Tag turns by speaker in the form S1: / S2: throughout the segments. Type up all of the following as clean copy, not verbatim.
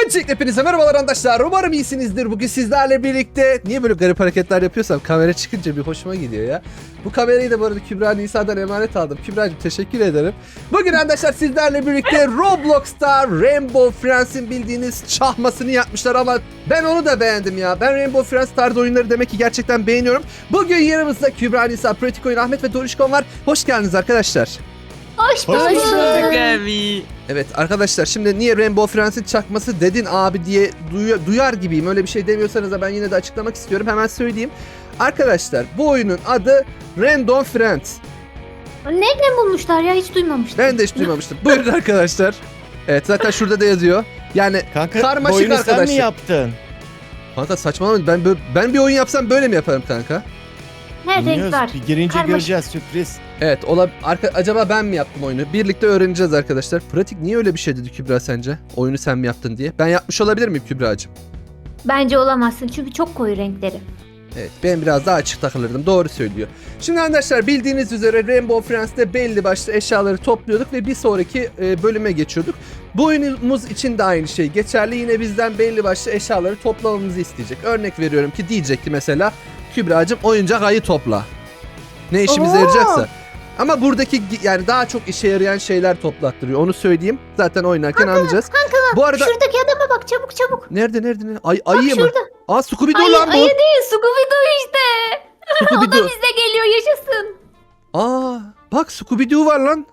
S1: Öncelikle hepinize merhabalar arkadaşlar. Umarım iyisinizdir. Bugün sizlerle birlikte... Niye böyle garip hareketler yapıyorsam kamera çıkınca bir hoşuma gidiyor ya. Bu kamerayı da bu arada Kübra Nisa'dan emanet aldım. Kübra'cığım teşekkür ederim. Bugün arkadaşlar sizlerle birlikte Roblox'ta Rainbow Friends'in bildiğiniz çahmasını yapmışlar ama ben onu da beğendim ya. Ben Rainbow Friends tarzı oyunları demek ki gerçekten beğeniyorum. Bugün yanımızda Kübra Nisa, Pratik Oyun, Ahmet ve Dorişkon var. Hoş geldiniz arkadaşlar.
S2: Hoş bulduk.
S3: abi.
S1: Evet arkadaşlar, şimdi niye Rainbow Friends'in çakması dedin abi diye duyar gibiyim. Öyle bir şey demiyorsanız da ben yine de açıklamak istiyorum. Hemen söyleyeyim. Arkadaşlar bu oyunun adı Random Friends.
S2: Nereden bulmuşlar ya, hiç duymamıştım.
S1: Ben de hiç duymamıştım. Buyurun arkadaşlar. Evet, zaten şurada da yazıyor. Yani
S4: Kanka
S1: karmaşık
S4: oyunu sen
S1: arkadaşlar.
S4: mi yaptın?
S1: Kanka saçmalama, ben bir oyun yapsam böyle mi yaparım kanka?
S2: Her renk
S4: Bilmiyoruz.
S2: var.
S4: Bir girince
S2: Karmaşık.
S4: göreceğiz, sürpriz.
S1: Evet, acaba ben mi yaptım oyunu? Birlikte öğreneceğiz arkadaşlar. Pratik niye öyle bir şey dedi Kübra sence? Oyunu sen mi yaptın diye. Ben yapmış olabilir miyim Kübra'cığım?
S2: Bence olamazsın çünkü çok koyu renkleri.
S1: Evet, ben biraz daha açık takılırdım. Doğru söylüyor. Şimdi arkadaşlar bildiğiniz üzere Rainbow Friends'te belli başlı eşyaları topluyorduk ve bir sonraki bölüme geçiyorduk. Bu oyunumuz için de aynı şey geçerli. Yine bizden belli başlı eşyaları toplamamızı isteyecek. Örnek veriyorum ki diyecek ki mesela Kübra'cığım oyuncak ayı topla. Ne işimize
S2: Oo.
S1: yarayacaksa. Ama buradaki yani daha çok işe yarayan şeyler toplattırıyor. Onu söyleyeyim. Zaten oynarken anlayacağız. Bu arada
S2: Şuradaki adama bak, çabuk çabuk.
S1: nerede?
S2: Bak
S1: Ayı mı?
S2: şurada.
S1: Aa, Scooby-Doo
S2: Ayı,
S1: lan bu.
S2: ayı değil, Scooby-Doo işte. O da
S1: Scooby-Doo.
S2: bize geliyor, yaşasın.
S1: Aa, bak Scooby-Doo var lan.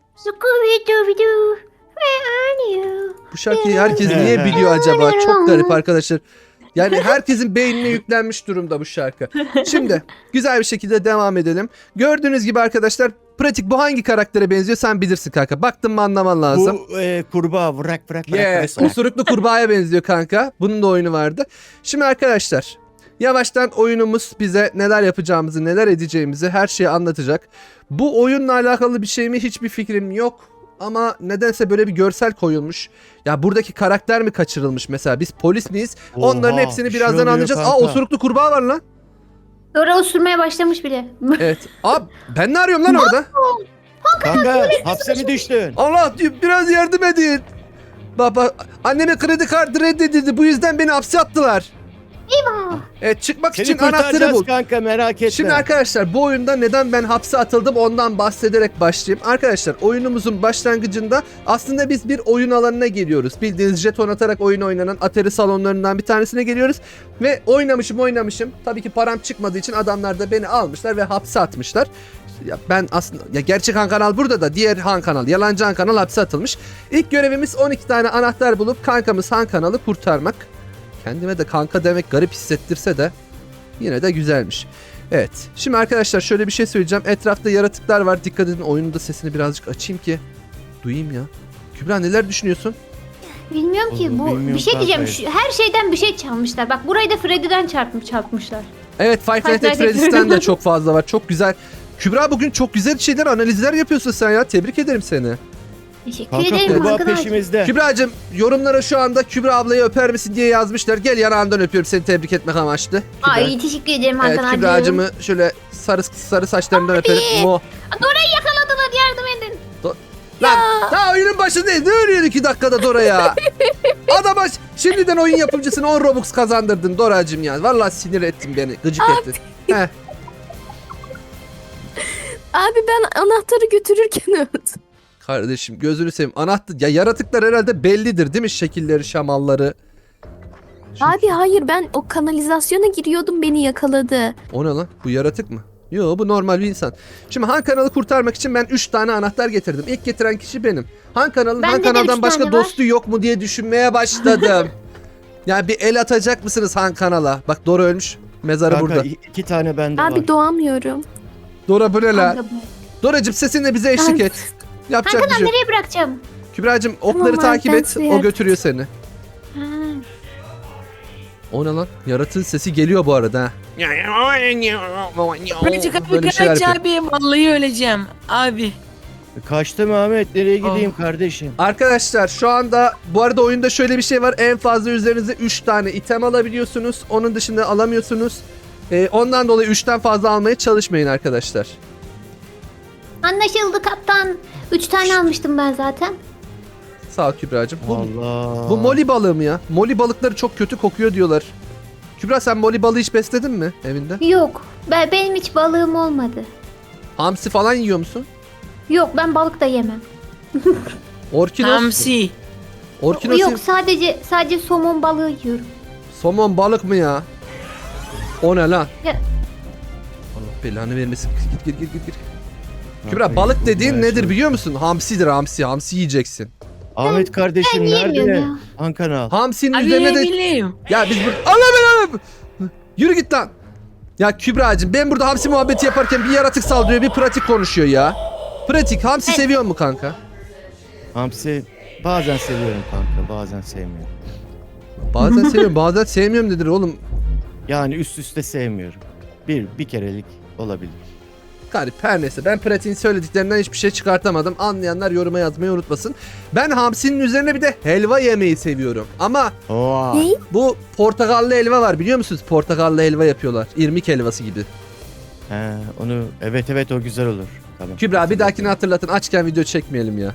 S2: Scooby-Doo. Where are you?
S1: Bu şarkıyı herkes niye biliyor acaba? Çok garip arkadaşlar. Yani herkesin beynine yüklenmiş durumda bu şarkı. Şimdi güzel bir şekilde devam edelim. Gördüğünüz gibi arkadaşlar, Pratik bu hangi karaktere benziyor sen bilirsin kanka. Baktın mı anlaman lazım.
S4: Bu kurbağa bırak.
S1: Yes, osuruklu kurbağaya benziyor kanka. Bunun da oyunu vardı. Şimdi arkadaşlar yavaştan oyunumuz bize neler yapacağımızı, neler edeceğimizi her şeyi anlatacak. Bu oyunla alakalı bir şey mi hiçbir fikrim yok. Ama nedense böyle bir görsel koyulmuş. Ya buradaki karakter mi kaçırılmış mesela? Biz polis miyiz? Onların hepsini
S4: bir şey
S1: birazdan
S4: oluyor
S1: anlayacağız. Aa,
S4: kanka.
S1: osuruklu kurbağa var lan.
S2: Dora osurmaya başlamış bile.
S1: Evet. Aa, ben ne arıyorum lan orada?
S4: Kanka hapse mi düştün?
S1: Allah, biraz yardım edin. Baba, anneme kredi kartı reddedildi. Bu yüzden beni hapse attılar.
S2: Eyvah.
S1: Evet, çıkmak
S4: Seni
S1: için anahtarı
S4: kurtaracağız
S1: bul.
S4: kanka, merak etme.
S1: Şimdi arkadaşlar bu oyunda neden ben hapse atıldım ondan bahsederek başlayayım. Arkadaşlar oyunumuzun başlangıcında aslında biz bir oyun alanına geliyoruz. Bildiğiniz jeton atarak oyun oynanan Atari salonlarından bir tanesine geliyoruz. Ve oynamışım. Tabii ki param çıkmadığı için adamlar da beni almışlar ve hapse atmışlar. Ya ben aslında gerçek Han Kanal burada da diğer Han Kanal, yalancı Han Kanal hapse atılmış. İlk görevimiz 12 tane anahtar bulup kankamız Han Kanal'ı kurtarmak. Kendime de kanka demek garip hissettirse de yine de güzelmiş. Evet. Şimdi arkadaşlar şöyle bir şey söyleyeceğim. Etrafta yaratıklar var. Dikkat edin, oyunun da sesini birazcık açayım ki duyayım ya. Kübra neler düşünüyorsun?
S2: Bilmiyorum ki,
S4: Oğlum,
S2: bu
S4: bilmiyorum
S2: bir şey diyeceğim.
S4: kanka.
S2: Her şeyden bir şey çalmışlar. Bak burayı da Freddy'den çarpmışlar.
S1: Evet, Five Nights at
S2: Nights at
S1: Freddy's'ten de çok fazla var. Çok güzel. Kübra bugün çok güzel şeyler, analizler yapıyorsun sen ya. Tebrik ederim seni.
S2: Teşekkür
S4: Kanka
S2: ederim
S4: kurbağa
S2: arkadaşlar.
S4: peşimizde.
S1: Kübra'cığım yorumlara şu anda Kübra ablayı öper misin diye yazmışlar. Gel yanağından öpüyorum seni tebrik etmek amaçlı. Kübra.
S2: Ay teşekkür ederim
S1: Evet,
S2: Hakan abi.
S1: Kübra'cığımı şöyle sarı saçlarından öperim. Mo.
S2: Dora'yı yakaladılar, yardım edin.
S1: Lan daha oyunun başındayız. Ne ölüyorsun 2 dakikada Dora ya? Adama şimdiden oyun yapımcısına 10 Robux kazandırdın Dora'cığım ya. Vallahi sinir ettin beni. Gıcık ettin. Heh.
S5: Abi ben anahtarı götürürken öldüm.
S1: Kardeşim gözünü seveyim. Anahtar ya, yaratıklar herhalde bellidir değil mi? Şekilleri, şamalları.
S5: Abi hayır, ben o kanalizasyona giriyordum, beni yakaladı.
S1: O ne lan? Bu yaratık mı? Yo, bu normal bir insan. Şimdi Han Kanal'ı kurtarmak için ben 3 tane anahtar getirdim. İlk getiren kişi benim. Han Kanal'ın
S2: Bende
S1: Han
S2: de
S1: Kanal'dan
S2: üç
S1: başka
S2: tane var.
S1: dostu yok mu diye düşünmeye başladım. Yani bir el atacak mısınız Han Kanal'a? Bak Dora ölmüş. Mezarı
S4: Kanka
S1: burada.
S4: 2 tane bende
S5: Abi
S4: var.
S5: doğamıyorum.
S1: Dora bu ne la?
S2: Kanka,
S1: Doracığım sesinle bize eşlik
S5: Ay.
S1: et. Yapacak bir şey yok.
S2: nereye bırakacağım?
S1: Kübra'cığım okları
S5: Tamam,
S1: takip
S5: ben
S1: et.
S5: suya
S1: O götürüyor seni.
S2: Ha.
S1: O ne lan? Yaratığın sesi geliyor bu arada ha.
S3: Pratik abi
S1: Böyle bir şeyler
S3: kaç
S1: yapıyor.
S3: abi, vallahi öleceğim abi.
S4: Kaçtım Ahmet, nereye gideyim kardeşim?
S1: Arkadaşlar şu anda bu arada oyunda şöyle bir şey var. En fazla üzerinize 3 tane item alabiliyorsunuz. Onun dışında alamıyorsunuz. Ondan dolayı 3'ten fazla almaya çalışmayın arkadaşlar.
S2: Anlaşıldı kaptan. 3 tane almıştım ben zaten.
S1: Sağ ol Kübra'cığım.
S4: Allah.
S1: Bu moli balığı mı ya? Moli balıkları çok kötü kokuyor diyorlar. Kübra sen moli balığı hiç besledin mi evinde?
S2: Yok. Benim hiç balığım olmadı.
S1: Hamsi falan yiyor musun?
S2: Yok ben balık da yemem.
S1: Orkinos.
S3: Hamsi.
S1: Orkinos.
S2: Yok sadece somon balığı yiyorum.
S1: Somon balık mı ya? O ne lan?
S2: Ya-
S1: Allah belanı vermesin. Gir. Kübra
S4: Kanka,
S1: balık
S4: bu
S1: dediğin
S4: her
S1: nedir
S4: şey-
S1: biliyor musun? Hamsidir hamsi. Hamsi yiyeceksin.
S4: Ahmet kardeşim
S2: yiyemiyorum
S4: nerede?
S2: ya.
S4: Han kanal.
S1: Hamsinin
S3: Abi
S1: üzerine de...
S3: bileyim.
S1: Ya biz burada... Allah belanı! Yürü git lan. Ya Kübra'cığım ben burada hamsi muhabbeti yaparken bir yaratık saldırıyor bir pratik konuşuyor ya. Pratik hamsi seviyor mu kanka?
S4: Hamsi bazen seviyorum kanka, bazen sevmiyorum.
S1: Bazen seviyorum bazen sevmiyorum dedir oğlum.
S4: Yani üst üste sevmiyorum. Bir kerelik olabilir.
S1: Garip her neyse ben pratiğin söylediklerinden hiçbir şey çıkartamadım. Anlayanlar yoruma yazmayı unutmasın. Ben hamsinin üzerine bir de helva yemeyi seviyorum. Ama
S4: Oha.
S5: Ne?
S1: bu portakallı helva var biliyor musunuz? Portakallı helva yapıyorlar. İrmik helvası gibi.
S4: He, onu evet o güzel olur. Tamam.
S1: Kübra bir dahakini hatırlatın açken video çekmeyelim ya.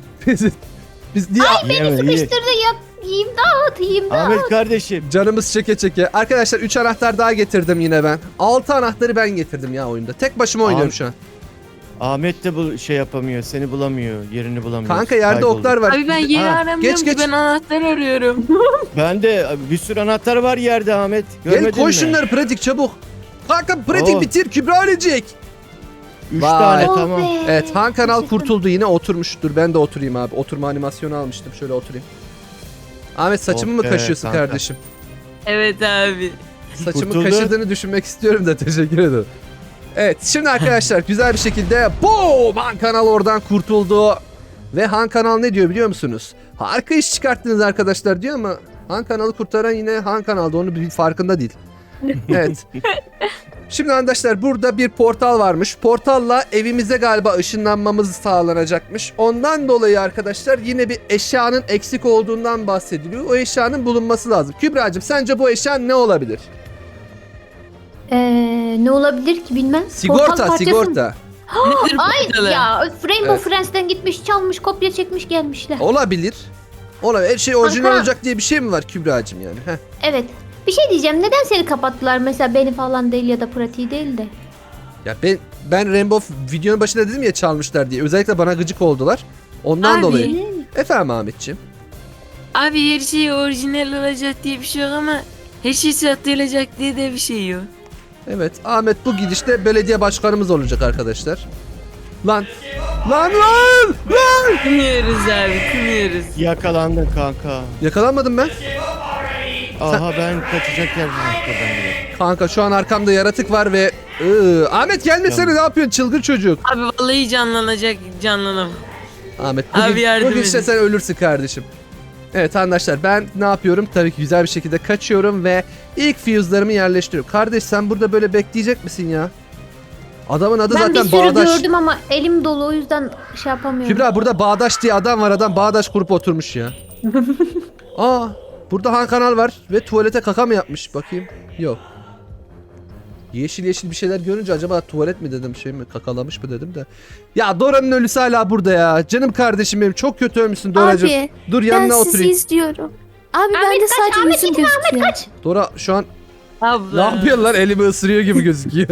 S1: Biz niye
S2: Sıkıştırdı yiyeyim dağıt.
S4: Ahmet kardeşim.
S1: canımız çeke çeke. Arkadaşlar 3 anahtar daha getirdim yine ben. 6 anahtarı ben getirdim ya oyunda. Tek başıma oynuyorum
S4: Abi,
S1: şu an.
S4: Ahmet de bu şey yapamıyor, seni bulamıyor, yerini bulamıyor.
S1: Kanka yerde
S4: Kayboldu.
S1: oklar var.
S3: Abi ben yeri
S1: Ha,
S3: aramıyorum
S1: geç.
S3: ki ben anahtar arıyorum.
S4: Ben de bir sürü anahtar var yerde Ahmet.
S1: Gel
S4: Görmedin
S1: koy
S4: mi?
S1: şunları pratik çabuk. Kanka pratik
S4: Oh.
S1: bitir Kübra ölecek.
S4: 3
S1: Vay.
S4: tane
S2: Oh
S4: tamam.
S2: be.
S1: Evet Han kanal
S2: Teşekkür.
S1: kurtuldu yine oturmuş. Dur ben de oturayım abi. Oturma animasyonu almıştım. Şöyle oturayım. Ahmet saçımı
S4: Oh
S1: mı
S4: be,
S1: kaşıyorsun
S4: kanka.
S1: kardeşim?
S3: Evet abi.
S1: Saçımı
S4: Kurtuldu.
S1: kaşıdığını düşünmek istiyorum da teşekkür ederim. Evet şimdi arkadaşlar güzel bir şekilde boom Han kanal oradan kurtuldu. Ve Han kanal ne diyor biliyor musunuz? Harika iş çıkarttınız arkadaşlar diyor ama Han kanalı kurtaran yine Han kanalda onu bir farkında değil. Evet. Şimdi arkadaşlar burada bir portal varmış. Portalla evimize galiba ışınlanmamız sağlanacakmış. Ondan dolayı arkadaşlar yine bir eşyanın eksik olduğundan bahsediliyor. O eşyanın bulunması lazım. Kübra'cığım sence bu eşya ne olabilir?
S2: Ne olabilir ki bilmem. Portal
S1: Sigorta,
S2: parçası mı?
S1: sigorta.
S3: Nedir
S2: Ay
S3: portalı?
S2: ya Rainbow
S1: Evet.
S2: Friends'ten gitmiş çalmış kopya çekmiş gelmişler.
S1: Olabilir. Olabilir. Her şey orijinal
S2: Kanka.
S1: olacak diye bir şey mi var Kübra'cığım yani? Heh.
S2: Evet. Bir şey diyeceğim. Neden seni kapattılar mesela beni falan değil ya da pratiği değil de.
S1: Ya ben Rainbow videonun başında dedim ya çalmışlar diye. Özellikle bana gıcık oldular. Ondan
S3: Abi.
S1: dolayı. Efendim Ahmetciğim.
S3: Abi her şey orijinal olacak diye bir şey yok ama her şey satılacak diye de bir şey yok.
S1: Evet Ahmet bu gidişte belediye başkanımız olacak arkadaşlar. Lan. Lan.
S3: Kınıyoruz abi kınıyoruz.
S4: Yakalandın kanka.
S1: Yakalanmadım ben.
S4: Aha ben kaçacak yer bulmuştum ben de.
S1: Kanka şu an arkamda yaratık var ve Ahmet gelmesene ne yapıyorsun çılgın çocuk.
S3: Abi vallahi canlanam.
S1: Ahmet
S3: Abi yardım
S1: bugün işte
S3: edin.
S1: sen ölürsün kardeşim. Evet arkadaşlar ben ne yapıyorum? Tabii ki güzel bir şekilde kaçıyorum ve ilk fuse'larımı yerleştiriyorum. Kardeş sen burada böyle bekleyecek misin ya? Adamın adı
S2: Ben bir
S1: zaten
S2: sürü
S1: Bağdaş.
S2: gördüm ama elim dolu o yüzden şey yapamıyorum.
S1: Kübra burada Bağdaş diye adam var adam Bağdaş kurup oturmuş ya. Aa burada Han kanal var ve tuvalete kaka mı yapmış bakayım. Yok. Yeşil yeşil bir şeyler görünce acaba tuvalet mi dedim şey mi kakalamış mı dedim de. Ya Dora'nın ölüsü hala burada ya. Canım kardeşim benim çok kötü ölmüşsün Dora'cığım.
S5: Abi
S1: Dur
S5: ben
S1: yanına
S5: sizi
S1: oturayım.
S5: izliyorum. Abi
S2: Ahmet
S5: bende
S2: kaç,
S5: sadece
S2: Ahmet
S5: yüzüm
S2: gitme,
S5: gözüküyor.
S2: Kaç.
S1: Dora şu an
S3: Abla.
S1: ne yapıyorsun lan elimi ısırıyor gibi gözüküyor.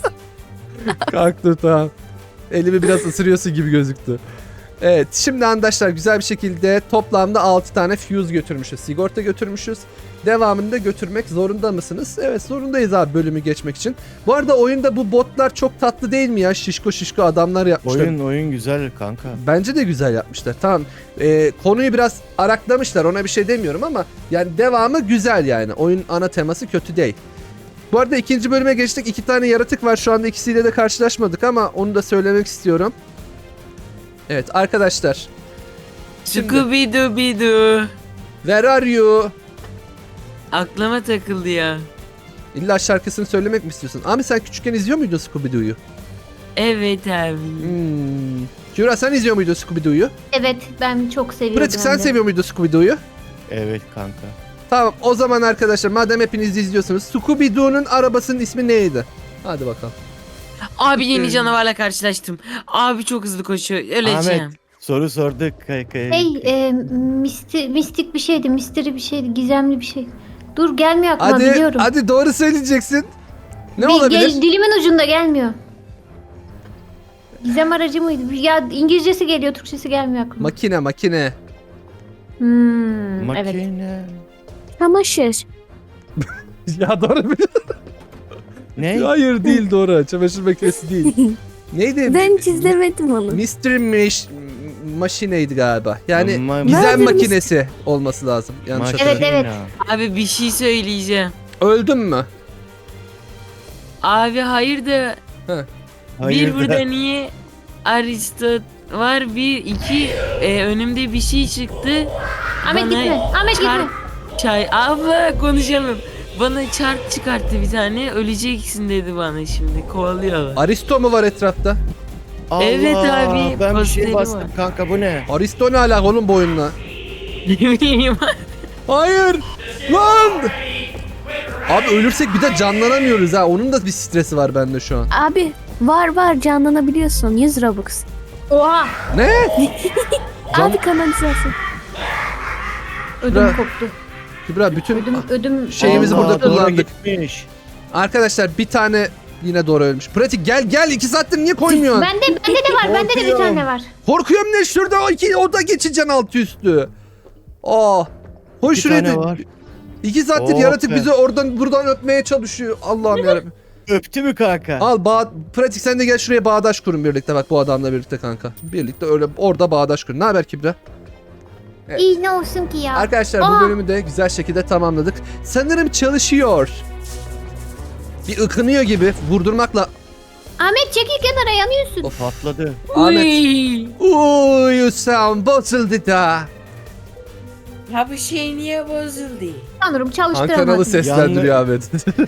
S1: Kalktı tamam. Elimi biraz ısırıyorsun gibi gözüktü. Evet şimdi arkadaşlar güzel bir şekilde toplamda 6 tane fuse götürmüşüz. Sigorta götürmüşüz. Devamını da götürmek zorunda mısınız? Evet zorundayız abi bölümü geçmek için. Bu arada oyunda bu botlar çok tatlı değil mi ya? Şişko şişko adamlar yapmışlar.
S4: Oyun güzel kanka.
S1: Bence de güzel yapmışlar. Tamam. Konuyu biraz araklamışlar. Ona bir şey demiyorum ama yani devamı güzel yani. Oyun ana teması kötü değil. Bu arada ikinci bölüme geçtik. 2 tane yaratık var. Şu anda ikisiyle de karşılaşmadık ama onu da söylemek istiyorum. Evet arkadaşlar. Şimdi
S3: Scooby-Doo.
S1: where are you?
S3: Aklıma takıldı ya.
S1: İlla şarkısını söylemek mi istiyorsun? Abi sen küçükken izliyor muydun Scooby-Doo'yu?
S3: Evet abi.
S1: Kübra sen izliyor muydun Scooby-Doo'yu?
S2: Evet ben çok seviyordum.
S1: Pratik sen
S2: hem de.
S1: seviyor muydun Scooby-Doo'yu?
S4: Evet kanka.
S1: Tamam o zaman arkadaşlar madem hepiniz izliyorsunuz Scooby-Doo'nun arabasının ismi neydi? Hadi bakalım.
S3: Abi yeni canavarla karşılaştım. Abi çok hızlı koşuyor. Öleceğim.
S4: Ahmet Soru sorduk.
S2: Mistik bir şeydi. Misteri bir şeydi. Gizemli bir şey. Dur gelmiyor aklıma biliyorum.
S1: Hadi doğru söyleyeceksin. Ne
S2: Bir-
S1: olabilir?
S2: Dilimin ucunda gelmiyor. Gizem aracı mıydı? Ya İngilizcesi geliyor, Türkçesi gelmiyor aklıma.
S1: Makine.
S2: Evet.
S4: Makine.
S5: Çamaşır.
S1: Ya doğru mu?
S4: Ne?
S1: Hayır değil doğru. Çamaşır makinesi değil. Neydi?
S5: Ben çizemedim onu.
S1: Maşineydi galiba. Yani
S4: Ma-
S1: gizem
S5: Murder
S1: makinesi olması lazım. Yanlış
S4: Makine.
S1: hatırlamıyorum.
S2: Evet.
S3: Abi bir şey söyleyeceğim.
S1: Öldün mü?
S3: Abi hayır da
S4: Hayır
S3: bir
S4: da-
S3: burada niye Aristot var, bir iki önümde bir şey çıktı.
S2: Ahmet
S3: Bana
S2: gitme. Ahmet gitme.
S3: Çay abla konuşalım. Bana çark çıkarttı bir tane, öleceksin dedi bana, şimdi kovalıyor.
S1: Aristo mu var etrafta?
S4: Allah,
S3: Evet abi,
S4: ben bir
S3: posteri
S4: şey bastım
S3: var.
S4: kanka, bu ne?
S1: Aristo ne alaka onun boyunla?
S3: Ne bileyim.
S1: Hayır! Lan! Abi ölürsek bir de canlanamıyoruz ha. Onun da bir stresi var bende şu an.
S5: Abi var canlanabiliyorsun. 100 Robux.
S2: Oha.
S1: Ne? Can-
S5: Abi kanalizasyon.
S2: Ödüm
S1: Bırak.
S2: koptu.
S1: Kübra bütün
S2: Ödüm
S1: Şeyimizi
S4: Allah,
S1: burada
S4: doğru
S1: kullandık.
S4: gitmiş.
S1: Arkadaşlar bir tane yine doğru ölmüş. Pratik gel 2 saattir niye koymuyorsun?
S2: Bende de var. Bende de bir
S4: Korkuyorum.
S2: tane var.
S1: Korkuyorum ne şurada o da geçeceksin altı üstü. Aa. Hoş
S4: Bir
S1: şuraya
S4: tane
S1: da-
S4: var.
S1: 2 saattir
S4: Oh
S1: yaratık
S4: be.
S1: bizi oradan buradan öpmeye çalışıyor. Allah'ım yarabbim.
S4: Öptü mü kanka?
S1: Al pratik sen de gel şuraya bağdaş kurun birlikte bak bu adamla birlikte kanka. Birlikte öyle orada bağdaş kurun. Ne haber Kübra? Evet.
S2: İyi ne olsun ki ya.
S1: Arkadaşlar bu
S2: Aa!
S1: bölümü de güzel şekilde tamamladık. Sanırım çalışıyor. Bir ıkınıyor gibi vurdurmakla.
S2: Ahmet çekil kenara yanıyorsun.
S1: Of
S4: Patladı.
S1: Ahmet.
S3: Uy.
S1: Uuu sound bozuldu da.
S3: Ya bu şey niye bozuldu?
S2: Sanırım çalıştıramadım.
S1: Ankaralı seslendiriyor Ahmet.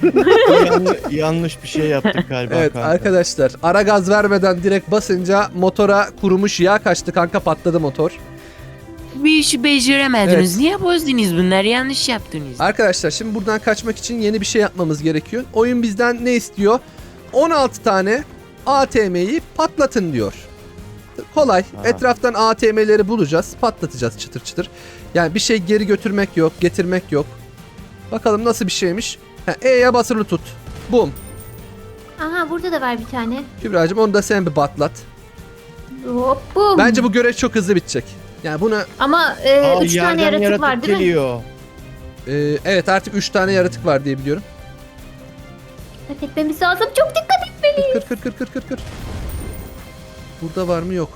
S4: Yanlış bir şey yaptık galiba
S1: Evet
S4: kanka.
S1: arkadaşlar ara gaz vermeden direkt basınca motora kurumuş yağ kaçtı kanka patladı motor.
S3: Bir işi beceremediniz.
S1: Evet.
S3: Niye bozdunuz bunları? Yanlış yaptınız.
S1: Arkadaşlar şimdi buradan kaçmak için yeni bir şey yapmamız gerekiyor. Oyun bizden ne istiyor? 16 tane ATM'yi patlatın diyor. Kolay.
S4: Ha.
S1: Etraftan ATM'leri bulacağız. Patlatacağız çıtır çıtır. Yani bir şey geri götürmek yok. Getirmek yok. Bakalım nasıl bir şeymiş. E'ye basılı tut. Bum.
S2: Aha burada da var bir tane.
S1: Kübra'cığım onu da sen bir patlat.
S2: Hop bum.
S1: Bence bu görev çok hızlı bitecek. Yani buna
S2: Ama
S4: Aa,
S2: 3 tane
S4: yerden
S2: yaratık var değil mi?
S4: geliyor.
S1: evet artık 3 tane yaratık var diye biliyorum.
S2: Dikkat etmemiz lazım. Çok dikkat et.
S1: Kır. Burada var mı yok.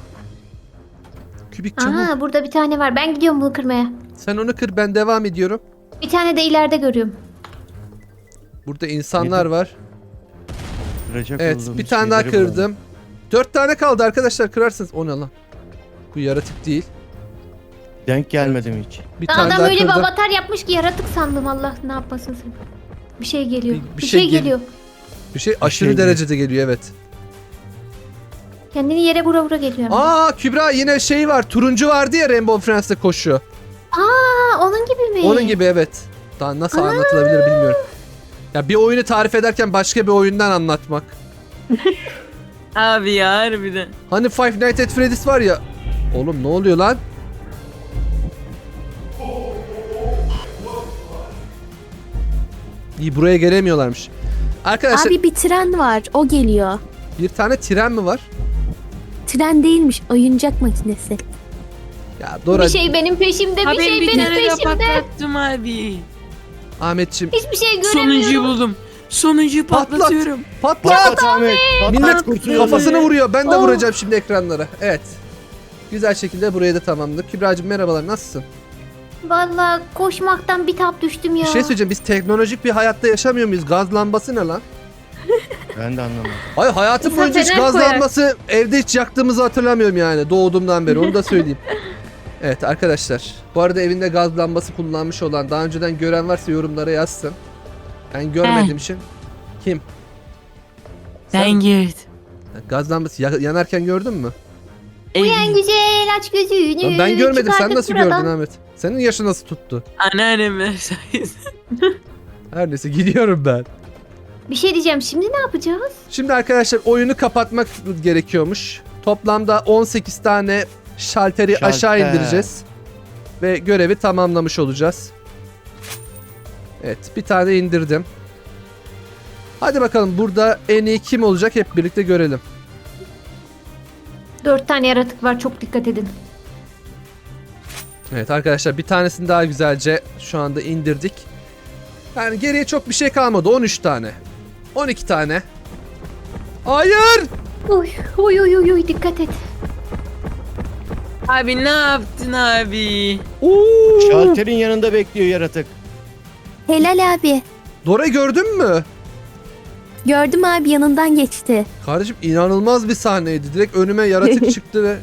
S1: Kübik çabuk.
S2: Aha burada bir tane var. Ben gidiyorum bunu kırmaya.
S1: Sen onu kır ben devam ediyorum.
S2: Bir tane de ileride görüyorum.
S1: Burada insanlar var.
S4: Kıracak
S1: Evet
S4: olduğumuz
S1: bir tane daha
S4: şeyleri bulalım.
S1: kırdım. 4 tane kaldı arkadaşlar kırarsınız. O ne lan? Bu yaratık değil.
S4: Denk gelmedim hiç.
S1: Bir tane
S2: Adam
S1: daha
S2: öyle bir
S1: kırdım.
S2: avatar yapmış ki yaratık sandım. Allah ne yapmasın sen. Bir şey geliyor.
S1: Bir
S2: Bir,
S1: şey
S2: şey
S1: gel-
S2: geliyor.
S1: Bir şey aşırı
S4: şey
S1: derecede geliyor evet.
S2: Kendini yere vura geliyor.
S1: Aa Kübra yine şey var. Turuncu vardı ya Rainbow Friends'te koşu.
S2: Aa onun gibi mi?
S1: Onun gibi evet. Daha nasıl anlatılabilir bilmiyorum. Ya bir oyunu tarif ederken başka bir oyundan anlatmak.
S3: Abi ya harbiden.
S1: Hani Five Nights at Freddy's var ya. Oğlum ne oluyor lan? İyi buraya gelemiyorlarmış. Arkadaşlar
S5: Abi bir tren var. O geliyor.
S1: bir tane tren mi var?
S5: Tren değilmiş. Oyuncak makinesi.
S1: Ya Dora,
S2: Bir şey benim peşimde.
S3: Ha
S2: Bir
S3: ben
S2: şey
S3: bir
S2: benim
S3: tane daha
S2: peşimde.
S3: patlattım abi.
S1: Ahmetçim
S2: Hiçbir şey
S3: Sonuncuyu
S2: göremiyorum.
S3: buldum. Sonuncuyu
S1: Patlat.
S3: patlatıyorum.
S1: patlat.
S4: Patlat Ahmet.
S1: Millet
S4: Patlat kurtuluyor.
S1: kafasını vuruyor. Ben de
S2: Oh.
S1: vuracağım şimdi ekranlara. Evet. Güzel şekilde burayı da tamamladık. Kübra'cığım merhabalar nasılsın?
S2: Vallahi koşmaktan bir tap düştüm ya.
S1: Bir şey söyleyeceğim biz teknolojik bir hayatta yaşamıyor muyuz? Gaz lambası ne lan?
S4: Ben de anlamadım.
S1: Ay hayatım
S2: İnsan
S1: boyunca hiç
S2: fener
S1: gaz
S2: koyar.
S1: lambası evde hiç yaktığımızı hatırlamıyorum yani doğduğumdan beri onu da söyleyeyim. Evet arkadaşlar bu arada evinde gaz lambası kullanmış olan daha önceden gören varsa yorumlara yazsın. Ben görmediğim için. Kim?
S3: Ben girdim.
S1: Gaz lambası yanarken gördün mü?
S2: Uyan güzel aç gözünü.
S1: Lan ben görmedim sen
S2: çıkardık
S1: nasıl
S2: buradan.
S1: gördün Ahmet? Senin yaşı nasıl tuttu?
S3: Anneannem sayesinde.
S1: Her neyse gidiyorum ben.
S2: Bir şey diyeceğim şimdi ne yapacağız?
S1: Şimdi arkadaşlar oyunu kapatmak gerekiyormuş. Toplamda 18 tane Şalteri aşağı indireceğiz. Ve görevi tamamlamış olacağız. Evet, bir tane indirdim. Hadi bakalım burada en iyi kim olacak hep birlikte görelim.
S2: 4 tane yaratık var, çok dikkat edin.
S1: Evet arkadaşlar, bir tanesini daha güzelce şu anda indirdik. Yani geriye çok bir şey kalmadı. 13 tane. 12 tane. Hayır!
S2: Uy uy uy uy, uy dikkat et.
S3: Abi ne yaptın abi?
S1: Oo!
S4: Şalterin yanında bekliyor yaratık.
S5: Helal abi.
S1: Dora gördün mü?
S5: Gördüm abi, yanından geçti.
S1: Kardeşim inanılmaz bir sahneydi. Direkt önüme yaratık çıktı ve...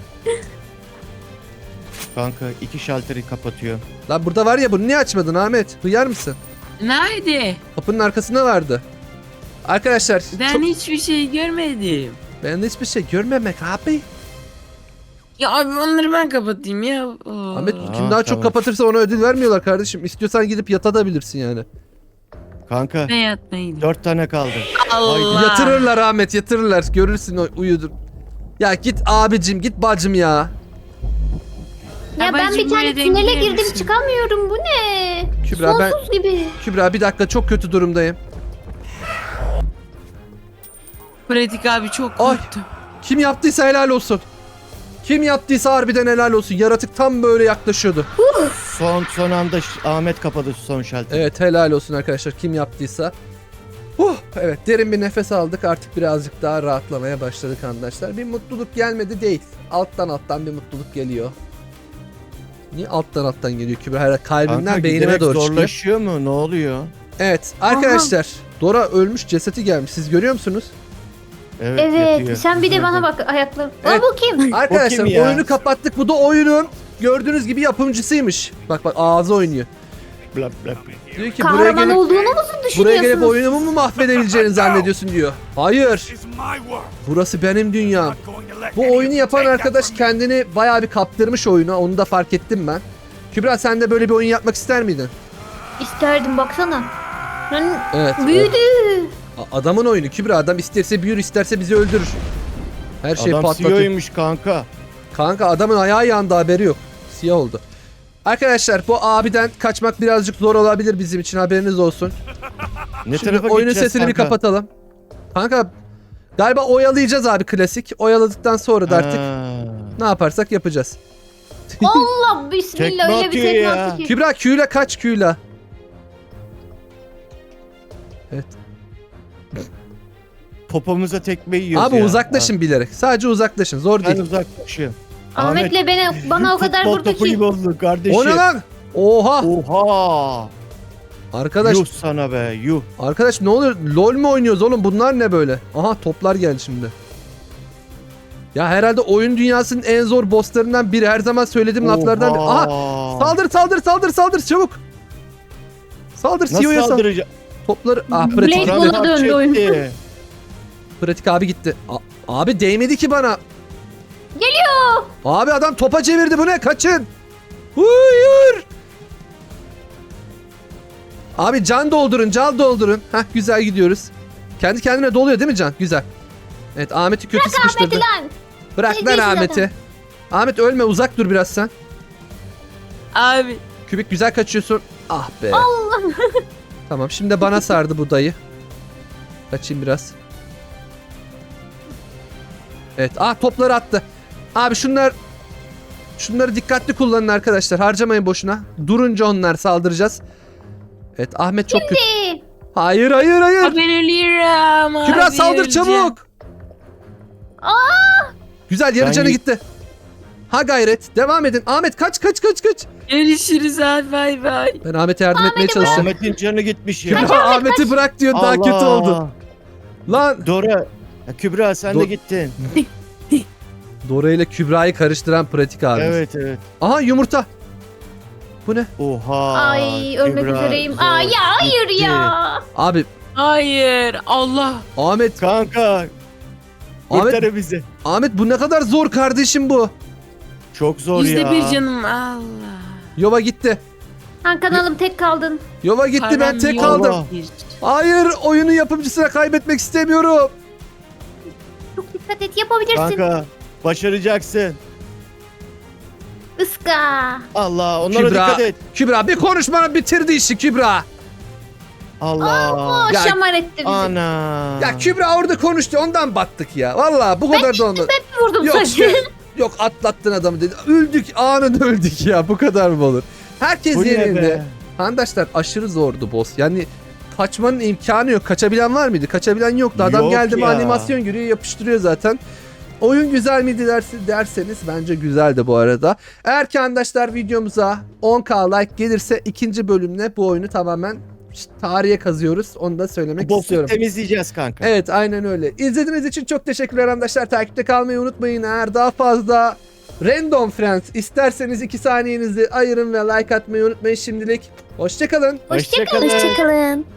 S4: Kanka 2 şalteri kapatıyor.
S1: Lan burada var ya, bunu niye açmadın Ahmet? Duyar mısın?
S3: Nerede?
S1: Kapının arkasında vardı. Arkadaşlar
S3: Ben hiçbir şey görmedim.
S1: ben de hiçbir şey görmemek abi.
S3: Ya abi onları ben kapatayım ya.
S1: Ahmet
S4: Aa,
S1: kim daha çok
S4: tamam.
S1: kapatırsa ona ödül vermiyorlar kardeşim. İstiyorsan gidip yatabilirsin yani.
S4: Kanka
S3: Ne yatmayın.
S4: 4 tane kaldı.
S3: Allah.
S1: Yatırırlar Ahmet, yatırırlar. Görürsün uyudur. Ya git abicim, git bacım ya.
S2: Ya ben
S3: Babacım,
S2: bir tane
S3: buraya
S2: tünele
S3: dengeye
S2: girdim,
S3: misin?
S2: çıkamıyorum. Bu ne?
S1: Kübra ben
S2: Sonsuz gibi.
S1: Kübra bir dakika, çok kötü durumdayım.
S3: Pratik abi çok
S1: Ay.
S3: korktum.
S1: Kim yaptıysa helal olsun. Kim yaptıysa harbiden helal olsun. Yaratık tam böyle yaklaşıyordu.
S4: Son anda Ahmet kapadı son şalteri.
S1: Evet, helal olsun arkadaşlar kim yaptıysa. Evet, derin bir nefes aldık. Artık birazcık daha rahatlamaya başladık arkadaşlar. Bir mutluluk gelmedi değil. Alttan bir mutluluk geliyor. Niye alttan geliyor Kübra? Herhalde kalbimden
S4: Kanka,
S1: beynime
S4: giderek
S1: doğru çıkıyor.
S4: zorlaşıyor mu? Ne oluyor?
S1: Evet arkadaşlar. Dora ölmüş, cesedi gelmiş. Siz görüyor musunuz?
S4: Evet,
S2: Evet,
S4: yatıyor.
S2: sen bir de bana bak ayaklarım.
S1: Evet.
S2: Aa, bu kim?
S1: Arkadaşlar
S4: ya?
S1: oyunu kapattık. Bu da oyunun gördüğünüz gibi yapımcısıymış. Bak ağzı oynuyor.
S4: Bla bla bla.
S1: Diyor ki buraya
S2: Kahraman
S1: gelip,
S2: olduğunu mu
S1: buraya gelip
S2: düşünüyorsunuz?
S1: oyunumu mu mahvedebileceğini zannediyorsun diyor. Hayır. Burası benim dünyam. Bu oyunu yapan arkadaş kendini bayağı bir kaptırmış oyuna. Onu da fark ettim ben. Kübra sen de böyle bir oyun yapmak ister miydin?
S2: İsterdim, baksana. Lan
S1: Evet.
S2: büyüdü.
S1: Adamın oyunu Kübra. Adam isterse büyür, isterse bizi öldürür. Her şeyi
S4: Adam
S1: patlatıyor.
S4: CEO'ymuş kanka.
S1: Kanka adamın ayağı yandı, haberi yok. Siyah oldu. Arkadaşlar bu abiden kaçmak birazcık zor olabilir bizim için, haberiniz olsun.
S4: Ne
S1: Şimdi
S4: tarafa
S1: oyunun
S4: gideceğiz
S1: sesini bir
S4: kanka?
S1: kapatalım. Kanka galiba oyalayacağız abi, klasik. Oyaladıktan sonra da artık
S4: Ha.
S1: ne yaparsak yapacağız.
S2: Allah bismillah,
S4: Tekme
S2: öyle bir
S4: atıyor
S2: tekme
S4: ya.
S2: attı ki.
S1: Kübra Q'yla kaç Q'yla. Evet.
S4: Popomuza tekme yiyoruz
S1: Abi
S4: ya.
S1: uzaklaşın bilerek. Sadece uzaklaşın. Zor
S4: Ben
S1: değil.
S4: uzaklaşıyorum.
S2: Ahmet'le bana o kadar
S4: Futbol
S2: vurdu
S4: topu
S2: ki.
S4: gibi oldu kardeşim.
S1: O ne lan? Oha.
S4: Oha.
S1: Arkadaş,
S4: Yuh sana be yuh.
S1: arkadaş ne oluyor? LOL mu oynuyoruz oğlum? Bunlar ne böyle? Aha toplar geldi şimdi. Ya herhalde oyun dünyasının en zor bosslarından biri. Her zaman söylediğim laflardan biri. Aha! Saldır çabuk. Saldır,
S4: Nasıl
S1: CEO'ya saldır.
S4: saldıracak?
S1: Topları... Ah
S2: Blade
S1: pratik.
S2: Ball'a
S4: Paramparça
S2: döndü oyun.
S4: etti.
S1: Pratik abi gitti. Abi değmedi ki bana.
S2: Geliyor.
S1: Abi adam topa çevirdi, bu ne? Kaçın. Hayır. Abi can doldurun. Heh güzel gidiyoruz. Kendi kendine doluyor değil mi can? Güzel. Evet Ahmet'i kötü sıkıştırdı.
S2: Ahmet'i lan.
S1: Bırak lan
S2: Geçti
S1: Ahmet'i.
S2: zaten.
S1: Ahmet ölme, uzak dur biraz sen.
S3: Abi
S1: Kübik güzel kaçıyorsun. Ah be. Tamam şimdi de bana sardı bu dayı. Kaçayım biraz. Evet topları attı. Abi şunları dikkatli kullanın arkadaşlar. Harcamayın boşuna. Durunca onlar saldıracağız. Evet Ahmet çok kötü. Hayır.
S3: ben ölüyorum.
S1: Kübra
S3: abi,
S1: saldır
S3: öleceğim.
S1: çabuk. Güzel, yarı
S4: Ben
S1: canı
S4: y-
S1: gitti. Ha gayret. Devam edin. Ahmet kaç.
S3: Görüşürüz abi, bay bay.
S1: Ben Ahmet'e yardım etmeye çalışacağım.
S4: Ahmet'in canı gitmiş ya.
S1: Kübra Ahmet'i bırak diyor, daha kötü oldu. Lan
S4: Dora. Ya Kübra sen de gittin.
S1: Dora ile Kübra'yı karıştıran pratik abi.
S4: Evet.
S1: Aha yumurta. Bu ne?
S4: Oha.
S2: Ay ölmek
S4: Kübra,
S2: üzereyim.
S4: zor.
S2: Aa ya hayır
S4: Gitti.
S2: ya.
S1: Abi
S3: Hayır, Allah.
S1: Ahmet
S4: Kanka. Kurtar bizi.
S1: Ahmet bu ne kadar zor kardeşim bu.
S4: Çok zor ya.
S3: %1 canım, Allah.
S1: Yova gitti.
S2: Han kanalım tek kaldın.
S1: Yova gitti, ben
S3: Param
S1: tek
S3: yok.
S1: kaldım.
S4: Allah.
S1: Hayır, oyunu yapımcısına kaybetmek istemiyorum.
S2: Çok dikkat et, yapabilirsin.
S4: Kanka. Başaracaksın.
S2: Iska.
S4: Allah onlara
S1: Kübra.
S4: dikkat et.
S1: Kübra bir konuşmanı bitirdi işi Kübra.
S4: Allah.
S2: O
S1: Ya-
S2: şamar etti bizi.
S4: Ana.
S1: Ya Kübra orada konuştu ondan battık ya. Vallahi bu kadar da olmadı.
S2: Ben vurdum
S1: Yok
S2: sadece.
S1: yok atlattın adamı dedi. Öldük anında öldük ya bu kadar mı olur? Herkes
S4: Bu ne
S1: yerinde.
S4: be?
S1: Arkadaşlar aşırı zordu boss. Yani kaçmanın imkanı yok. Kaçabilen var mıydı? Kaçabilen yoktu. Adam
S4: Yok
S1: geldi mi
S4: ya.
S1: animasyon giriyor yapıştırıyor zaten. Oyun güzel miydi derseniz bence güzeldi bu arada. Eğer ki arkadaşlar videomuza 10k like gelirse ikinci bölümle bu oyunu tamamen tarihe kazıyoruz. Onu da söylemek
S4: Boss'u
S1: istiyorum.
S4: temizleyeceğiz kanka.
S1: Evet aynen öyle. İzlediğiniz için çok teşekkürler arkadaşlar. Takipte kalmayı unutmayın. Eğer daha fazla Random Friends isterseniz 2 saniyenizi ayırın ve like atmayı unutmayın şimdilik. Hoşçakalın.
S2: Hoşçakalın.
S5: Hoşçakalın.